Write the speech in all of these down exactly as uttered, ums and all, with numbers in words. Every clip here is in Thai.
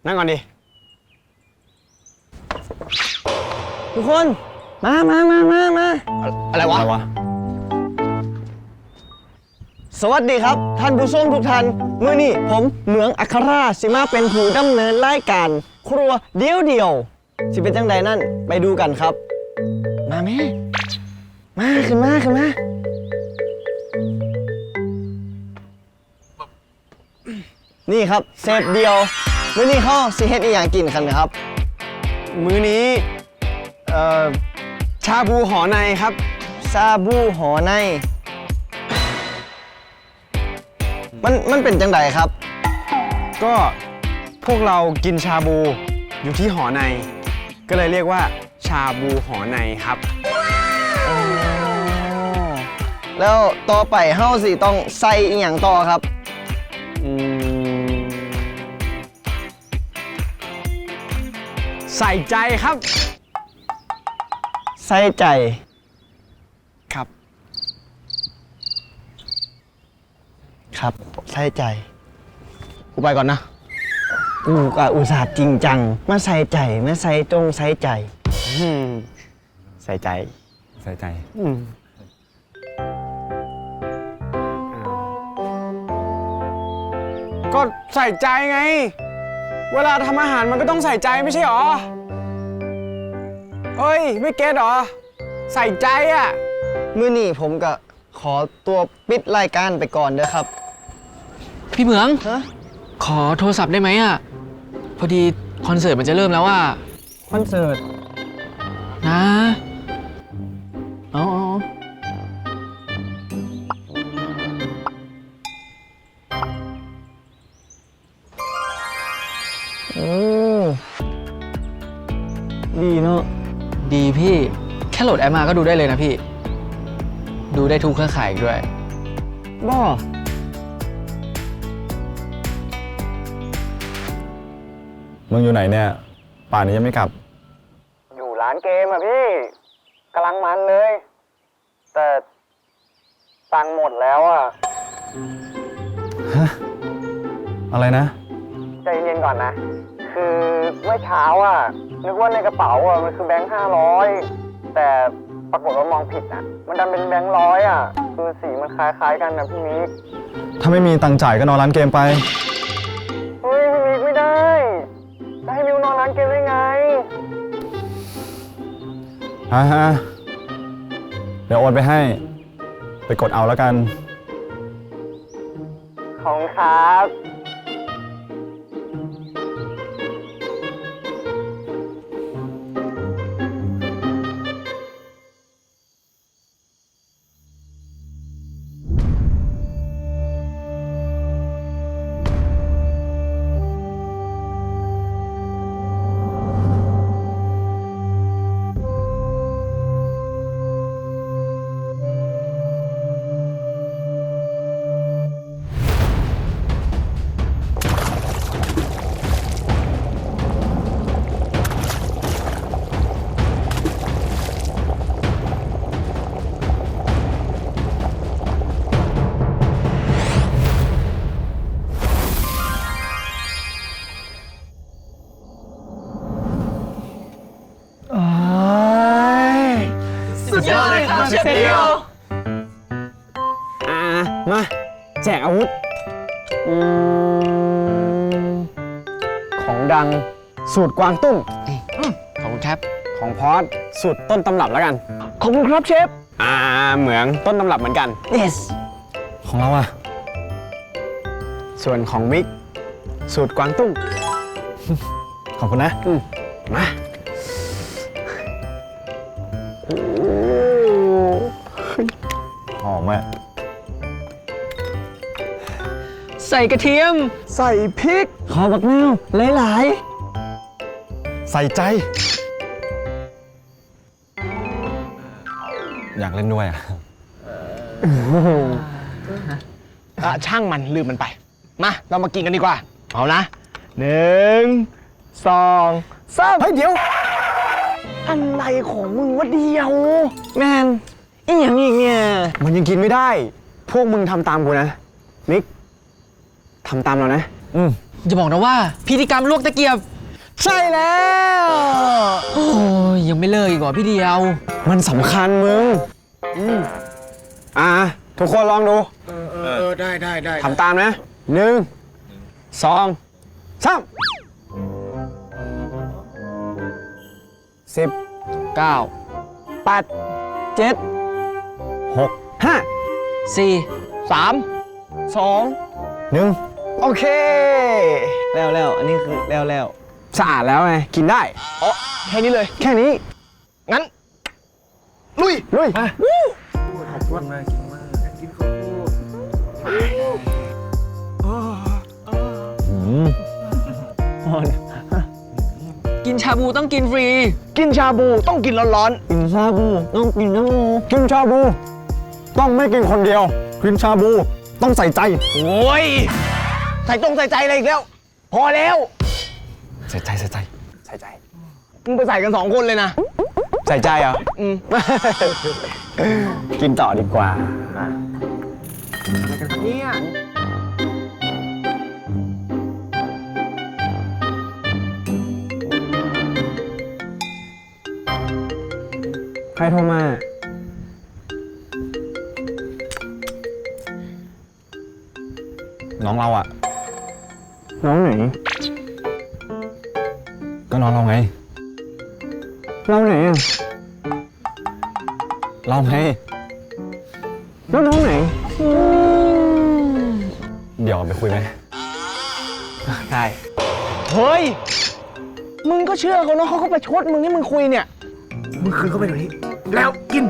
นั่งก่อนดิทุกคนมามามามามาอะไรวะอะไรวะสวัสดีครับท่านผู้ชมทุกท่านมื้อนี้ผมเหมืองอัคราสิมาเป็นผู้ดำเนินรายการครัวเดียวเดียวสิเป็นจังใดนั่นไปดูกันครับมาแม่มาขึ้นมาขึ้นมานี่ครับเซฟเดียวมื้อนี้เขาสิเฮ็ดอีหยังกินกันนะครับมื้อนี้เอ่อชาบูหอในครับชาบูหอในมันมันเป็นจังใดครับก็พวกเรากินชาบูอยู่ที่หอในก็เลยเรียกว่าชาบูหอในครับแล้วต่อไปเฮาสิต้องใส่อีหยังต่อครับอืมใส่ใจครับใส่ใจครับครับใส่ใจกูไปก่อนนะกูก็อุตส่าห์จริงจังมาใส่ใจมาใส่จงใส่ใจใส่ใจใส่ใจก็ใส่ใจไงเวลาทำอาหารมันก็ต้องใส่ใจไม่ใช่หรอเฮ้ยไม่เก็ตหรอใส่ใจอ่ะมื้อนี้ผมก็ขอตัวปิดรายการไปก่อนเด้อครับพี่เหมืองฮะขอโทรศัพท์ได้ไหมอ่ะพอดีคอนเสิร์ตมันจะเริ่มแล้วอ่ะคอนเสิร์ตนะเอาเอาโอ้ดีเนาะดีพี่แค่โหลดแอปมาก็ดูได้เลยนะพี่ดูได้ทุกเครือข่ายด้วยบ้ามึงอยู่ไหนเนี่ยป่านนี้ยังไม่กลับอยู่ร้านเกมอ่ะพี่กำลังมันเลยแต่ตังค์หมดแล้วอ่ะฮะอะไรนะใจเย็นก่อนนะคือเมื่อเช้าอ่ะนึกว่าในกระเป๋าอ่ะมันคือแบงค์ห้าร้อยแต่ปรากฏว่ามองผิดอ่ะมันดันเป็นแบงค์ร้อยอ่ะคือสีมันคล้ายๆกันนะพี่มิกถ้าไม่มีตังค์จ่ายก็นอนร้านเกมไปเฮ้ยพี่มิกไม่ได้จะให้มิวนอนร้านเกมได้ไงฮ่าฮ่าเดี๋ยวโอนไปให้ไปกดเอาแล้วกันของครับสุดยอดเลยครับเชฟเดียวอ่ามาแจกอาวุธอืมของดังสูตรกวางตุ้งขอบคุณครับของพอสสูตรต้นตำรับแล้วกันขอบคุณครับเชฟอ่าเหมืองต้นตำรับเหมือนกัน yes ของเราอะส่วนของมิกสูตรกวางตุ้งขอบคุณนะอืมมาหอมอะใส่กระเทียมใส่พริกขอบักนาวหลายใส่ใจอยากเล่นด้วยอะอ่ะช่างมันลืมมันไปมาเรามากินกันดีกว่าเอานะหนึ่งสองสามเฮ้ยเดี๋ยวอะไรของมึงวะเดียวแมนอีหยังอีกเนี่ยมันยังกินไม่ได้พวกมึงทำตามกูนะมิกทำตามเรานะอืมอย่าบอกนะว่าพิธีกรรมลวกตะเกียบใช่แล้วโอ้ยยังไม่เลิกอีกเหรอพี่เดียวมันสำคัญมึงอ่าทุกคนลองดูเออเออได้ได้ได้ทำตามนะหนึ่งสองสามสิบเก้าแปดเจ็ดหกห้าสี่สามสองหนึ่งโอเค แล้วแล้วอันนี้คือแล้วแล้วสะอาดแล้วไงกินได้อ๋อแค่นี้เลยแค่นี้งั้น ลุยลุยกินชาบูต้องกินฟรีกินชาบูต้องกินร้อนกินชาบูต้องกินชาบูกินชาบูต้องไม่กินคนเดียวกินชาบูต้องใส่ใจๆ โอ้ย ใส่ตรงใส่ใจอะไรอีกแล้ว พอแล้วใส่ใจใส่ใจใส่ใจ มึงไปใส่กันสองคนเลยนะใส่ใจเหรออืมกินต่อดีกว่าเนี่ยใครโทรมาน้องเราอะน้องไหนก็น้องเราไงเราไหนอ่ะเราไงแล้วน้องไหนเดี๋ยวไปคุยไหมได้เฮ้ย มึงก็เชื่อเขาเนาะเขาก็ไปชดมึงให้มึงคุยเนี่ย มึงคืนเข้าไปเดี๋ยวนี้ แล้วกิน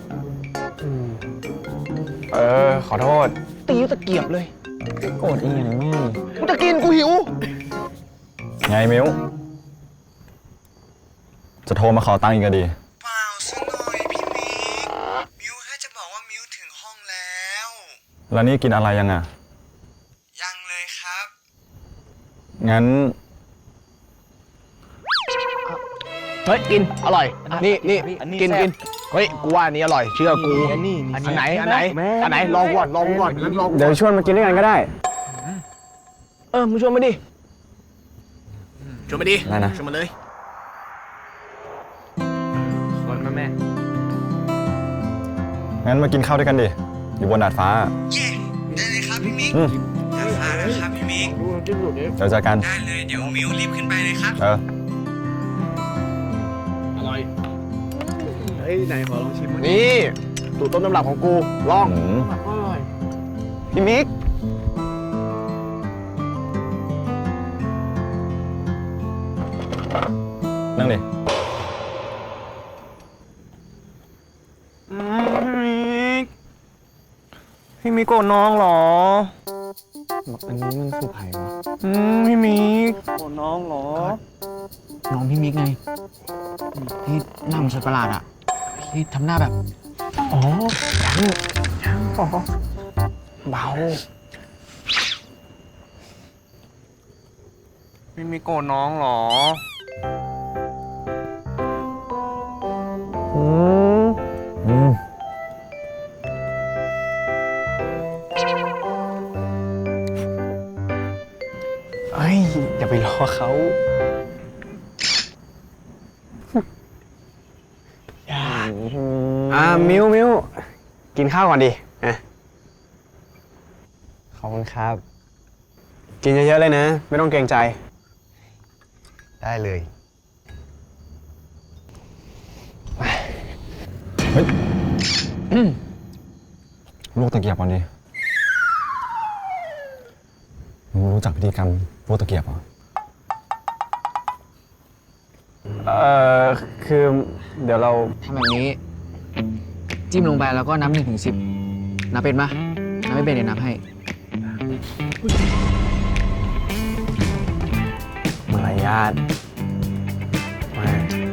เออ ขอโทษตีตะเกียบเลยโกรธอีกอย่างแม่กูจะกินกูหิวไงมิวจะโทรมาขอตังค์อีกก็ดีเปล่าซะหน่อยพี่มิก มิวแค่จะบอกว่ามิวถึงห้องแล้วแล้วนี่กินอะไรยังอะยังเลยครับงั้นเฮ้ย กิน อร่อย นี่นี่กินกินเฮ้ย กูว่าอันนี้อร่อย เชื่อกู อันนี้อันไหน อันไหน อันไหน ลองก่อน ลองก่อนลองเดี๋ยวชวนมากินด้วยกันก็ได้เออ มึงชวนมาดิ ชวนมาดิได้นะชวนมาเลยชวนมาแม่งั้นมากินข้าวด้วยกันดิ อยู่บนดาดฟ้าเย้ได้เลยครับพี่มิกอืมอย่าพลาดนะครับพี่มิกเดี๋ยวเจอกันได้เลย เดี๋ยวมิวรีบขึ้นไปเลยครับเออนี่สูตรต้นตำรับของกู ลองอืมพี่มิกนั่งดิพี่มิกโกรธน้องเหรอ อันนี้มันคือไผ่วะ อืม พี่มิกโกรธน้องเหรอน้องพี่มิกไงที่หน้าเหมันสัตว์ประหลาดอะที่ทำหน้าแบบอ๋อยังยังอ๋อเบา พี่มิกโกรธน้องเหรอ อืมอืมเฮ้ย อย่าไปรอเขา อ่า มิวมิวกินข้าวก่อนดิอ่ะขอบคุณครับ กินเยอะๆเลยนะ ไม่ต้องเกรงใจได้เลยเฮ้ยลูกตะเกียบก่อนดิมึงรู้จักพิธีกรรมลูกตะเกียบเหรอเอ่อ คือเดี๋ยวเราทำแบบนี้ จิ้มลงไปแล้วก็นับหนึ่งถึงสิบนับเป็นปะนับไม่เป็นเดี๋ยวนับให้มารยาทมา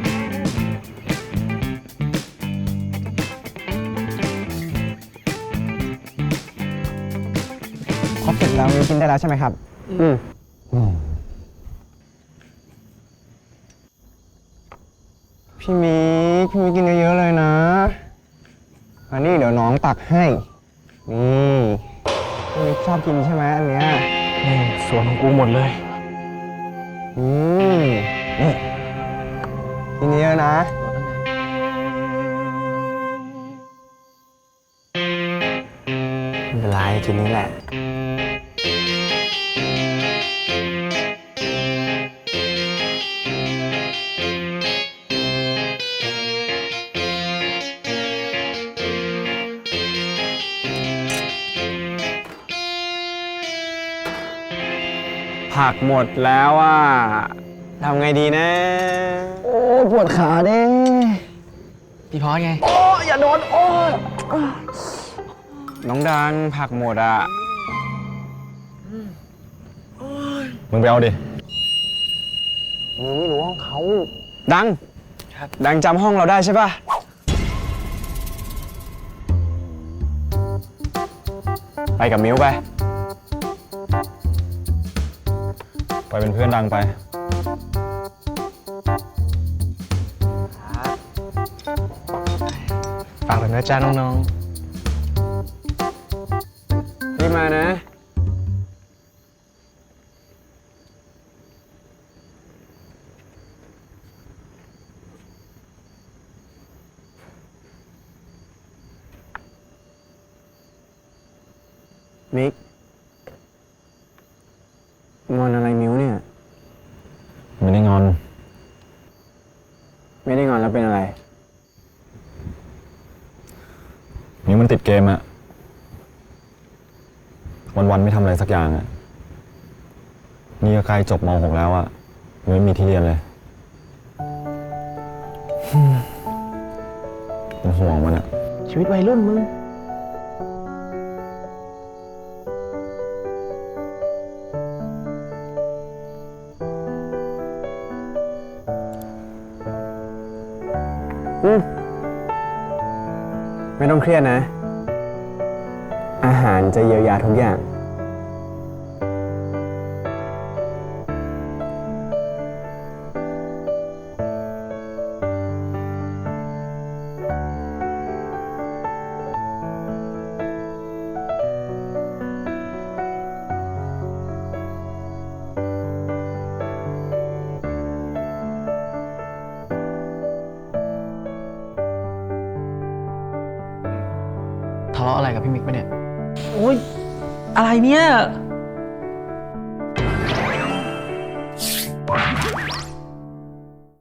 ครบเสร็จแล้วมิวกินได้แล้วใช่ไหมครับ อืมอืมพี่มิกพี่มิกกินเยอะๆเลยนะ อันนี้เดี๋ยวน้องตักให้ นี่พี่มิกชอบกินใช่ไหมอันเนี้ยส่วนของกูหมดเลยออืมนี่ทีนี้แล้วนะไม่เป็นไรทีนี้แหละ ผักหมดแล้วอ่ะทำไงดีนะ โอ้ปวดขาเด้พี่พอสไงโอ้อย่าโดน โอ้ยน้องดังผักหมดอ่ะมึงไปเอาดิมึงไม่รู้ห้องเขา ดัง ครับ ดังจำห้องเราได้ใช่ป่ะ ไปกับมิ้วไปไปเป็นเพื่อนดังไปฝากเลยนะจ๊ะน้องรีบมานะ มิกงอนอะไรมิ้วเนี่ยไม่ได้งอนไม่ได้งอนแล้วเป็นอะไรนิ้วมันติดเกมอะวันๆไม่ทำอะไรสักอย่างอะนี่ก็ใกล้จบม .หก แล้วอะยังไม่มีที่เรียนเลย เป็นห่วงมันอะๆ ชีวิตวัยรุ่นมึงอืมไม่ต้องเครียดนะ อาหารจะเยียวยาทุกอย่างทะเลาะอะไรกับพี่มิกปะเนี่ย โอ๊ย อะไรเนี่ย